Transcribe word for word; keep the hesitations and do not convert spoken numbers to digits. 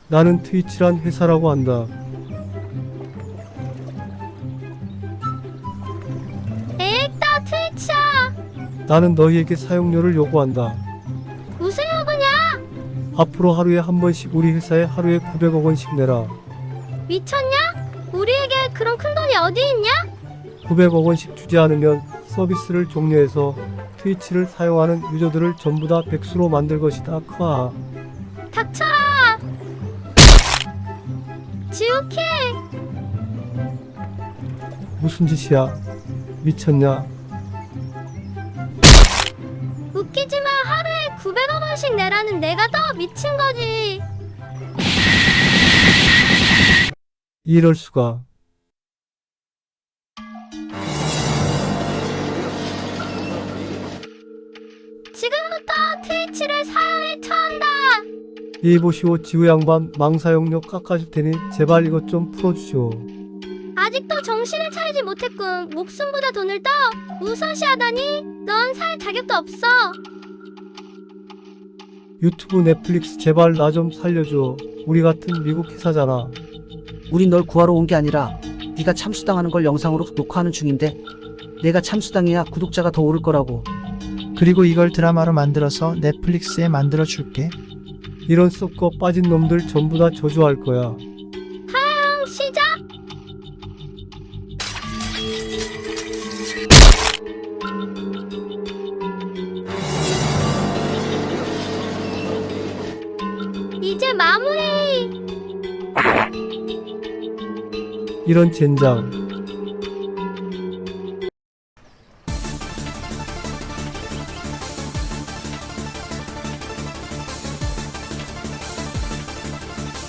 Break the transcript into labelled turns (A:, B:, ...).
A: 나는 트위치란 회사라고 한다.
B: 에익다 트위치야.
A: 나는 너희에게 사용료를 요구한다.
B: 무슨 요구냐?
A: 앞으로 하루에 한 번씩 우리 회사에 하루에 구백억 원씩 내라.
B: 미쳤냐? 우리에게 그런 큰 돈이 어디 있냐?
A: 구백억 원씩 주지 않으면 서비스를 종료해서 트위치를 사용하는 유저들을 전부 다 백수로 만들 것이다. 크아.
B: 닥쳐라. 지우케.
A: 무슨 짓이야? 미쳤냐?
B: 웃기지마. 하루에 구백억 원씩 내라는 내가 더 미친 거지.
A: 이럴 수가.
B: 지금부터 트위치를 사용에 처한다.
A: 이 보시오 지우 양반 망사용료 깎아줄 테니 제발 이것 좀 풀어주시오.
B: 아직도 정신을 차리지 못했군. 목숨보다 돈을 더 우선시하다니. 넌 살 자격도 없어.
A: 유튜브 넷플릭스 제발 나 좀 살려줘. 우리 같은 미국 회사잖아.
C: 우린 널 구하러 온 게 아니라 네가 참수당하는 걸 영상으로 녹화하는 중인데 내가 참수당해야 구독자가 더 오를 거라고.
D: 그리고 이걸 드라마로 만들어서 넷플릭스에 만들어 줄게.
A: 이런 썩고 빠진 놈들 전부 다 저주할 거야.
B: 사용 시작. 이제 마무리.
A: 이런 젠장.